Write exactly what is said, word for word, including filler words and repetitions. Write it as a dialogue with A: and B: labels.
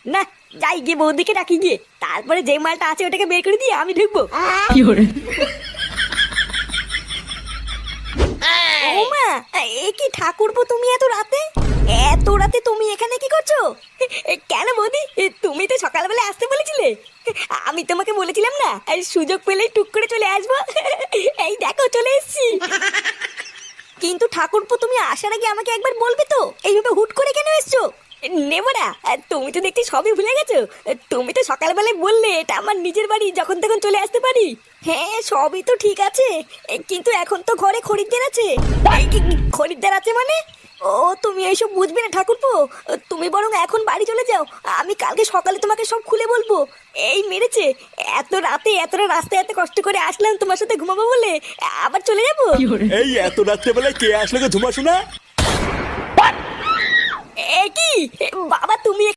A: না, যাই গিয়ে বৌদিকে ডাকি গিয়ে, তারপরে যে মালটা আছে ওটাকে বের করে দিয়ে আমি ঢুকবো। ও মা, এ কি ঠাকুরপো, তুমি এত রাতে এত রাতে তুমি এখানে কি করছো? এ, কেন বৌদি, এ, তুমি তো সকালবেলা আসতে বলেছিলে। আমি তোমাকে বলেছিলাম না, এই সুযোগ পেলেই টুক করে চলে আসবো। এই দেখো চলে এসেছি। কিন্তু ঠাকুরপো, তুমি আসার আগে আমাকে একবার বলবে তো, এইভাবে হুট করে কেন এসছো? নেবরা, তুমি তো দেখছি সবই ভুলে গেছো। তুমি তো সকালবেলায় বললে এটা আমার নিজের বাড়ি, যখন তখন চলে আসতে পারি। হ্যাঁ, সবই তো ঠিক আছে, কিন্তু এখন তো ঘরে খরিদ্দার আছে। এই কি খরিদ্দার আছে মানে? ও, তুমি এইসব বুঝবে না ঠাকুরপো, তুমি বরং এখন বাড়ি চলে যাও, আমি কালকে সকালে তোমাকে সব খুলে বলবো। এই মেরেছে, এত রাতে এতটা রাস্তায় এত কষ্ট করে আসলাম তোমার সাথে ঘুমাবো বলে, আবার চলে যাবো?
B: এই এত রাত্রেবেলায় কে আসলে গো ঝুমা শোনা?
A: এ কি বাবা, তুমি